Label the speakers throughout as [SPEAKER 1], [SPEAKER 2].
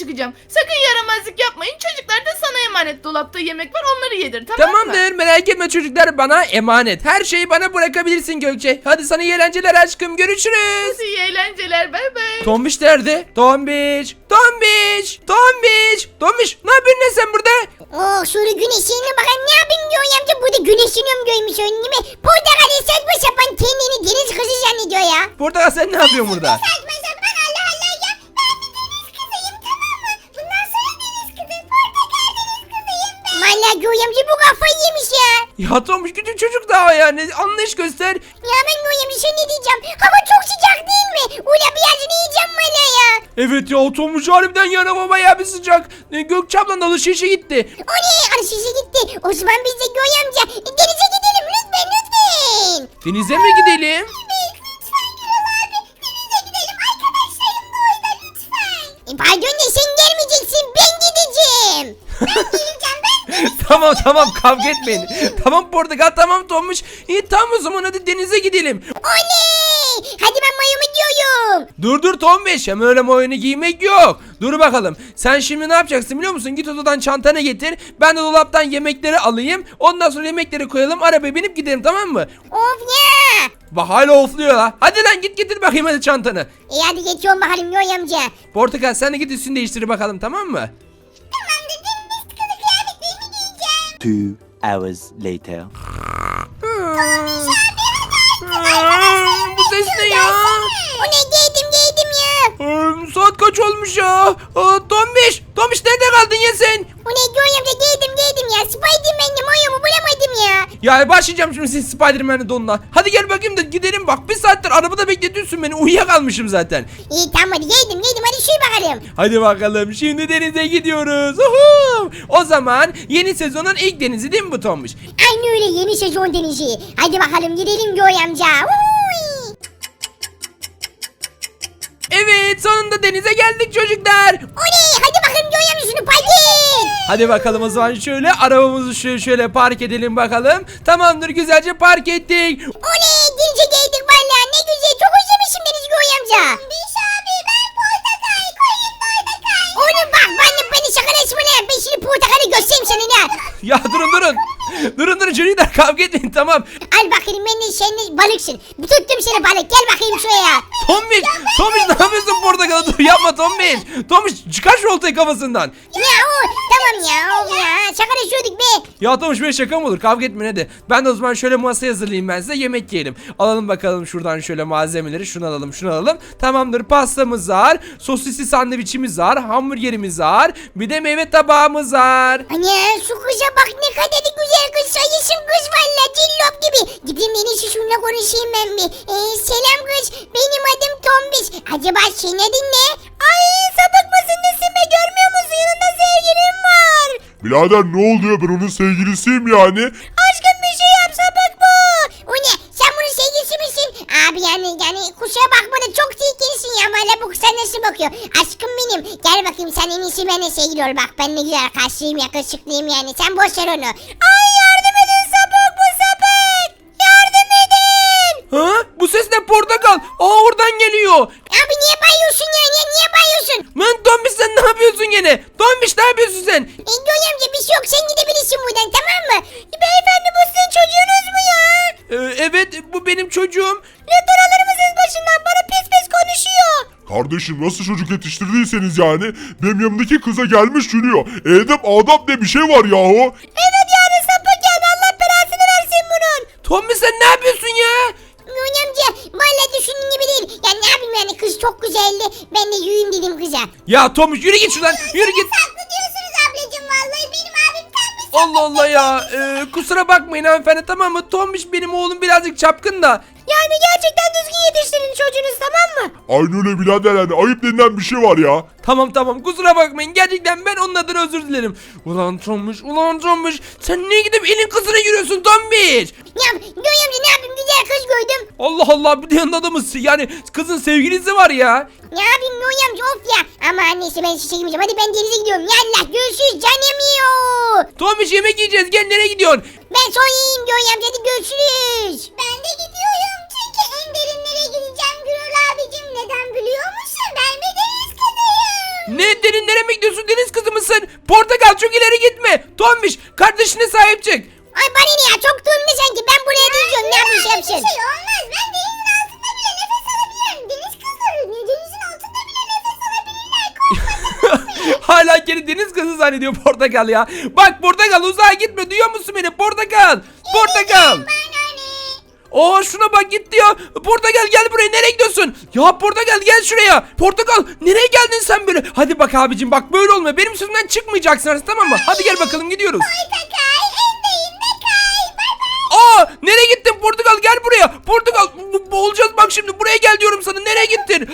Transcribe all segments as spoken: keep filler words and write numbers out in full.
[SPEAKER 1] çıkacağım. Sakın yaramazlık yapmayın. Çocuklar da sana emanet. Dolapta yemek var, onları yedir, tamam mı?
[SPEAKER 2] Tamamdır, merak etme çocuklar, bana emanet. Her şeyi bana bırakabilirsin Gökçe. Hadi sana iyi eğlenceler aşkım, görüşürüz.
[SPEAKER 1] İyi eğlenceler, bay bay.
[SPEAKER 2] Tombiş nerede? Tombiş, Tombiş, Tombiş, Tombiş. Ne yapıyorsun lan sen burada?
[SPEAKER 3] Oh şöyle güneşine bakın, ne yapayım diyor amca, burada güneşiniyorum görmüş önünü mi? Portakal saçma sapan kendini deniz kızı zannediyor ya.
[SPEAKER 2] Portakal sen ne yapıyorsun burada?
[SPEAKER 3] Saçma sapan, Allah Allah ya. Ben bir deniz kızıyım, tamam mı? Bundan sonra deniz kızı, portakal deniz kızıyım ben. Valla diyor amca, bu kafayı yemiş ya.
[SPEAKER 2] Ya Tombiş küçük çocuk daha yani, anlayış göster.
[SPEAKER 3] Ya ben diyor amca, şey ne diyeceğim? Hava çok sıcak değil mi? Ula birazını yiyeceğim valla ya.
[SPEAKER 2] Evet ya, Tombiş harbiden yana baba ya, bir sıcak. E, Gökçe ablanın alışverişe gitti.
[SPEAKER 3] O ne? Alışverişe gitti. O zaman biz de diyor amca, denize gidelim lütfen lütfen.
[SPEAKER 2] Denize mi gidelim?
[SPEAKER 3] Pardon da sen gelmeyeceksin, ben gideceğim. Ben geleceğim, ben.
[SPEAKER 2] Tamam tamam, kavga etmeyin. Tamam Portakal, tamam Tombiş. İyi tamam, o zaman hadi denize gidelim.
[SPEAKER 3] Oley! Hadi ben mayomu giyiyorum.
[SPEAKER 2] Dur dur Tombiş, hem öyle oyunu giymek yok. Dur bakalım, sen şimdi ne yapacaksın biliyor musun? Git odadan çantanı getir, ben de dolaptan yemekleri alayım. Ondan sonra yemekleri koyalım, arabaya binip gidelim, tamam mı?
[SPEAKER 3] Of ya.
[SPEAKER 2] Bak hala ofluyor la. Hadi lan git getir bakayım hadi çantanı.
[SPEAKER 3] İyi hadi geçiyorum bakalım Yoy amca.
[SPEAKER 2] Portakal sen de git üstünü değiştir bakalım, tamam mı?
[SPEAKER 3] Tamamdır, deniz kızı kıyafetlerimi giyeceğim.
[SPEAKER 4] Two hours later.
[SPEAKER 2] Bu ses ne ya?
[SPEAKER 3] O ne, giydim giydim ya.
[SPEAKER 2] Ee, Saat kaç olmuş ya? Aa, Tombiş, Tombiş nerede kaldın ya sen?
[SPEAKER 3] O ne Yoy amca, giydim giydim ya. Spiderman'le mayomu bulamadım ya.
[SPEAKER 2] Ya başlayacağım şimdi senin Spiderman'in donuna. Hadi gel bakayım da gidelim, bak bir saattir arabada bekletiyorsun beni, uyuyakalmışım zaten.
[SPEAKER 3] İyi tamam hadi giydim giydim, hadi şuy bakalım.
[SPEAKER 2] Hadi bakalım, şimdi denize gidiyoruz. Uhu! O zaman yeni sezonun ilk denizi değil mi bu Tombiş?
[SPEAKER 3] Aynı öyle, yeni sezon denizi. Hadi bakalım gidelim Yoy amca. Uy.
[SPEAKER 2] Evet, sonunda denize geldik çocuklar.
[SPEAKER 3] Oley, hadi bakalım Yoy amca, şunu park et.
[SPEAKER 2] Hadi bakalım o zaman, şöyle arabamızı şöyle, şöyle park edelim bakalım. Tamamdır, güzelce park ettik.
[SPEAKER 3] Oley, denize geldik valla, ne güzel, çok özlemişim deniz Yoy amca. Biş abi, ben portakal koyayım portakal. Oğlum bak, benimle beni şakalaşma ne, ben şimdi portakalı göstereyim sana ne.
[SPEAKER 2] Ya durun durun. Durun durun çocuklar, kavga etmeyin, tamam.
[SPEAKER 3] Al bakayım, ben de sen de balıksın. Tuttum seni balık, gel bakayım şuraya.
[SPEAKER 2] Tombiş, Tombiş ne yapıyorsun Portakal'a? Dur yapma Tombiş. Tombiş çıkar şu oltayı kafasından.
[SPEAKER 3] Ya o, tamam ya, o ya, şakalaşıyorduk be.
[SPEAKER 2] Ya Tombiş böyle şaka mı olur? Kavga etmeyin hadi. Ben de o zaman şöyle masaya hazırlayayım, ben size yemek yiyelim. Alalım bakalım şuradan şöyle malzemeleri. Şunu alalım, şunu alalım. Tamamdır, pastamız var. Sosisli sandviçimiz var. Hamburgerimiz var. Bir de meyve tabağımız var.
[SPEAKER 3] Anne şu kıza bak, ne kadar da güzel kız, sayısın kız valla, cillop gibi. Gideyim en iyisi şununla konuşayım ben bir. Ee, selam kız, benim adım Tombiş. Acaba senin adın ne? Ay sapık mısın nesin be, görmüyor musun, yanında sevgilim var.
[SPEAKER 5] Birader ne oluyor, ben onun sevgilisiyim yani.
[SPEAKER 3] Aşkım bir şey yap, sapık bu. O ne, sen bunun sevgilisi misin? Abi yani yani kusura bakma da çok tehlikelisin ya, valla bu kız sana nasıl bakıyor? Aşkım benim, gel bakayım sen en iyisi benimle sevgili ol, bak ben ne güzel karşıyım, yakışıklıyım yani, sen boş ver onu. Ay yardım edin, sapık bu, sapık. Yardım edin.
[SPEAKER 2] Ha? Bu ses ne Portakal? Aa, oradan geliyor.
[SPEAKER 3] Abi niye bayıyorsun ya, niye, niye bayıyorsun?
[SPEAKER 2] Lan Tombiş sen ne yapıyorsun gene? Tombiş ne yapıyorsun sen?
[SPEAKER 3] E, Göy amca bir şey yok, sen gidebilirsin buradan, tamam mı? Beyefendi bu sizin çocuğunuz mu ya?
[SPEAKER 2] Ee, evet, bu benim çocuğum.
[SPEAKER 3] Lütfen alır mısınız başından, bana pis pis konuşuyor.
[SPEAKER 5] Kardeşim nasıl çocuk yetiştirdiyseniz yani, benim yanımdaki kıza gelmiş gülüyor. Edep adap diye bir şey var yahu.
[SPEAKER 3] Evet yani sapık yani, Allah belasını versin bunun.
[SPEAKER 2] Tombiş sen ne yapıyorsun ya?
[SPEAKER 3] Göy amca valla düşündüğün gibi değil. Ya ne yapayım yani, kız çok güzeldi. Ben de yürüyeyim dedim kıza.
[SPEAKER 2] Ya Tombiş yürü git şuradan, yürü git.
[SPEAKER 3] Haklı diyorsunuz ablacığım, vallahi benim abim tam bir
[SPEAKER 2] Allah Allah ya. Ee, kusura bakmayın hanımefendi, tamam mı? Tombiş benim oğlum birazcık çapkın da.
[SPEAKER 3] Yani gerçekten düzgün yetiştirin çocuğunuz, tamam mı?
[SPEAKER 5] Aynı öyle birader, yani ayıp denilen bir şey var ya.
[SPEAKER 2] Tamam tamam, kusura bakmayın, gerçekten ben onun adına özür dilerim. Ulan Tombiş, ulan Tombiş, sen niye gidip elin kızına yürüyorsun Tombiş?
[SPEAKER 3] Ya Göy amca ne yapayım, güzel kız gördüm.
[SPEAKER 2] Allah Allah, bir de yanında adamı, yani kızın sevgilisi var ya.
[SPEAKER 3] Ne yapayım Göy amca, of ya. Ama annesi, ben size çekmeyeceğim, hadi ben denize gidiyorum. Yallah görüşürüz canım yiyor.
[SPEAKER 2] Tombiş yemek yiyeceğiz, gel, nereye gidiyorsun?
[SPEAKER 3] Ben son yiyeyim Göy amca, hadi görüşürüz. Ben de gidiyorum çünkü en derinlere gideceğim Gürül abicim. Neden biliyor musun? Ben bir deniz kızıyım.
[SPEAKER 2] Ne derinlere mi gidiyorsun? Deniz kızı mısın? Portakal çok ileri gitme. Tombiş kardeşine sahip çık.
[SPEAKER 3] Ay bana ne ya çok durumda sanki ben buraya düşüyorum ne yapmış yapsın.
[SPEAKER 6] Bir şey olmaz. Ben denizin altında bile nefes alabilirim. Deniz kızları denizin altında bile nefes alabilirler.
[SPEAKER 2] Hala kendi deniz kızı zannediyor portakal ya. Bak portakal uzağa gitme, duyuyor musun beni portakal? Portakal. Aa şuna bak gitti ya. Portakal gel buraya, nereye gidiyorsun? Ya portakal gel şuraya. Portakal nereye geldin sen böyle? Hadi bak abicim bak böyle olmuyor. Benim sözümden çıkmayacaksın artık, tamam mı? Hadi gel bakalım gidiyoruz.
[SPEAKER 6] Portakal endeyinde kay. Bay bay.
[SPEAKER 2] Aa nereye gittin portakal, gel buraya. Portakal bo- boğulacağız bak şimdi, buraya gel diyorum sana, nereye gittin?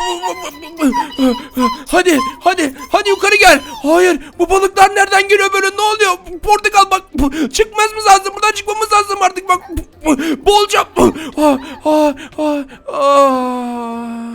[SPEAKER 2] Hadi hadi hadi yukarı gel. Hayır bu balıklar nereden geliyor böyle, ne oluyor? Portakal bak çıkmamız lazım, buradan çıkmamız lazım artık bak. Boğulacağım. Ah, ah, ah, ah.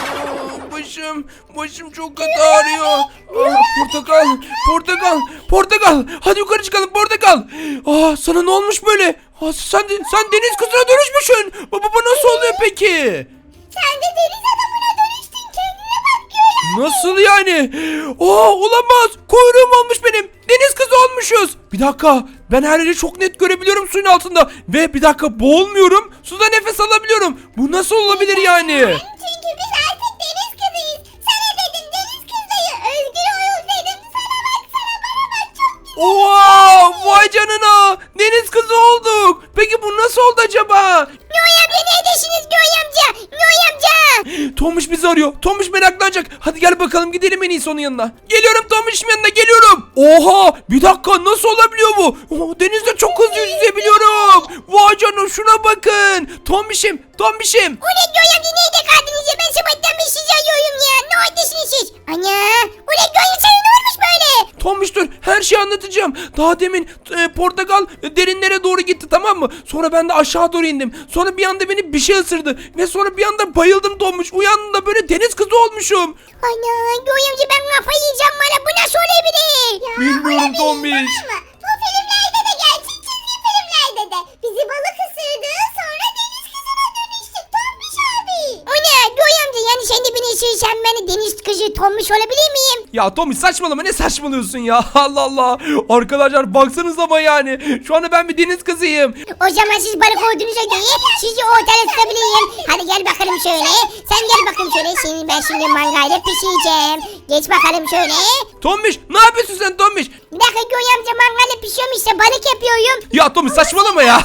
[SPEAKER 2] Başım, başım çok kötü ağrıyor. Ah, portakal, portakal, portakal. Hadi yukarı çıkalım portakal. Ah, sana ne olmuş böyle? Ah, sen de, sen deniz kızına dönüşmüşsün. Baba bu nasıl oluyor peki?
[SPEAKER 6] Sen de deniz adamına dönüştün. Kendine bak Göğe.
[SPEAKER 2] Nasıl yani? Aa olamaz. Kuyruğum olmuş benim. Deniz kızı olmuşuz. Bir dakika. Ben her yeri çok net görebiliyorum suyun altında. Ve bir dakika boğulmuyorum. Suda nefes alabiliyorum. Bu nasıl olabilir yani?
[SPEAKER 6] Çünkü biz artık deniz kızıyız. Sana dedim deniz kızıyı. Özgür oyun dedim. Sana bak sana bana bak çok güzel.
[SPEAKER 2] Oha! Vay canına. Deniz kızı olduk. Peki bu nasıl oldu acaba?
[SPEAKER 3] Göğe amca neredesiniz Göğe amca? Göğe amca.
[SPEAKER 2] Tomuş bizi arıyor. Tomuş meraklanacak. Hadi gel bakalım gidelim en iyisi onun yanına. Geliyorum Tomuş'un yanına geliyorum. Oha! Bir dakika nasıl olabiliyor bu? Oh, denizde çok hızlı yüzebiliyorum. Vay canına şuna bakın. Tombiş'im, Tombiş'im.
[SPEAKER 3] Ulan Göğe amca nerede kaldınız ya? Ben sabahtan beri sizi arıyorum ya. Ne oradasınız siz? Ana. Ulan Göğe sana ne olmuş böyle?
[SPEAKER 2] Tombiş dur, her şeyi anlatacağım. Daha demin e, portakal e, derinlere doğru gitti, tamam mı? Sonra ben de aşağı doğru indim. Sonra bir anda beni bir şey ısırdı. Ve sonra bir anda bayıldım Tombiş. Uyandım da böyle deniz kızı olmuşum.
[SPEAKER 3] Ana Göğe amca ben kafayı yiyeceğim bana. Bu nasıl olabilir?
[SPEAKER 2] Bilmiyorum Tombiş.
[SPEAKER 6] Ama bu filmlerde de gerçek çizgi filmlerde de. Bizi balık ısırdı sonra deniz kızına dönüştük. Tombiş abi.
[SPEAKER 3] O ne Göğe amca yani sen de beni ısırırsan ben de deniz kızı tombiş olabilir miyim?
[SPEAKER 2] Ya Tombiş saçmalama, ne saçmalıyorsun ya? Allah Allah. Arkadaşlar baksanız ama yani. Şu anda ben bir deniz kızıyım.
[SPEAKER 3] O zaman siz balık olduğunuza göre sizi ortada tutabilirim. Hadi gel bakalım şöyle. Sen gel bakalım şöyle. Seni ben şimdi mangayla pişireceğim. Geç bakalım şöyle.
[SPEAKER 2] Tombiş ne yapıyorsun sen Tombiş?
[SPEAKER 3] Bir dakika Göğe amca mangayla pişiyorum işte balık yapıyorum.
[SPEAKER 2] Ya Tombiş saçmalama ya.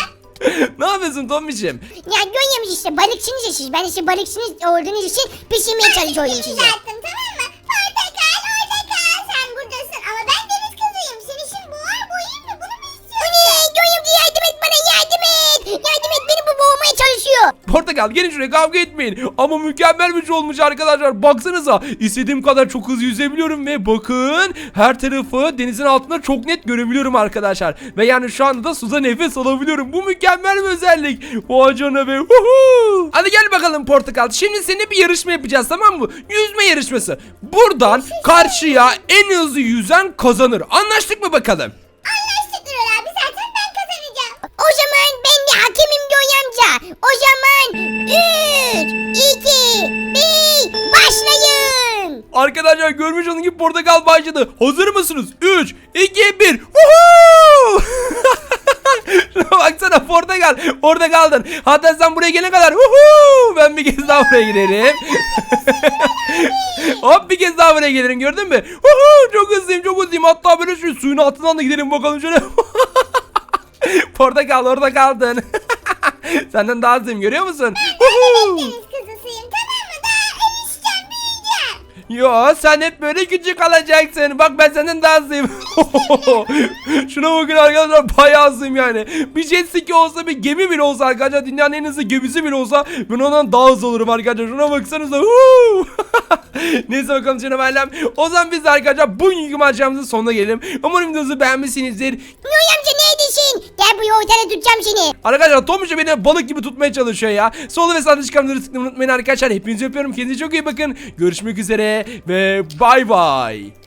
[SPEAKER 2] Ne yapıyorsun Tombiş'im?
[SPEAKER 3] Ya Göğe amca işte balıkçınız ya siz. Ben işte balıkçınız olduğunuz için pişirmeye çalışıyorum size.
[SPEAKER 6] Düzelttim tamam mı? Portakal orada kal. Sen buradasın ama ben deniz kızıyım. Seni şimdi boğar boğayım mı? Bunu mu
[SPEAKER 3] O
[SPEAKER 6] istiyorsun?
[SPEAKER 3] ne Göğe amca yardım et bana yardım et. Yardım et beni bu boğmaya çalışıyor.
[SPEAKER 2] Portakal gelin şuraya, kavga etmeyin. Ama mükemmel bir şey olmuş arkadaşlar. Baksanıza, istediğim kadar çok hızlı yüzebiliyorum ve bakın her tarafı denizin altında çok net görebiliyorum arkadaşlar. Ve yani şu anda da suda nefes alabiliyorum. Bu mükemmel bir özellik. Vay canına be. Huhu. Hadi gel bakalım Portakal. Şimdi seninle bir yarışma yapacağız, tamam mı? Yüzme yarışması. Buradan karşıya en hızlı yüzen kazanır. Anlaştık mı bakalım?
[SPEAKER 6] Anlaştık Nurul abi zaten ben kazanacağım.
[SPEAKER 3] O zaman ben de hakemim Göğe amca. O zaman üç, iki, bir başlayın.
[SPEAKER 2] Arkadaşlar görmüş olduğunuz gibi Portakal başladı. Hazır mısınız? üç, iki, bir. Woohoo! Şuna baksana Portakal. Orada kaldın. Hatta sen buraya gelene kadar. Woohoo! Ben bir kez daha buraya giderim. Hop bir kez daha buraya gelirim, gördün mü? Woohoo! Çok hızlıyım, çok hızlıyım. Hatta böyle şu suyun altından da gidelim bakalım şöyle. Portakal orada kaldın. Senden daha hızlıyım, görüyor musun? Woohoo!
[SPEAKER 6] Deniz kızısıyım tamam mı? Daha erişeceğim büyüyeceğim.
[SPEAKER 2] Yo sen hep böyle küçük kalacaksın. Bak ben senden daha hızlıyım. Şuna bakın arkadaşlar, bayağı hızlıyım yani. Bir jet ski olsa, bir gemi bile olsa arkadaşlar, dünyanın en hızlı gemisi bile olsa ben ondan daha hızlı olurum arkadaşlar. Şuna baksanıza. Neyse bakalım canım ailem. O zaman biz de arkadaşlar bugünkü maceramızın sonuna gelelim. Umarım videomuzu beğenmişsinizdir.
[SPEAKER 3] Göğe amca neredesin? Gel bu ortada tutacağım seni.
[SPEAKER 2] Arkadaşlar Tomuş beni balık gibi tutmaya çalışıyor ya. Solu ve sağda çıkanları tıklamayı unutmayın arkadaşlar. Hepinizi öpüyorum. Kendinize çok iyi bakın. Görüşmek üzere ve bay bay.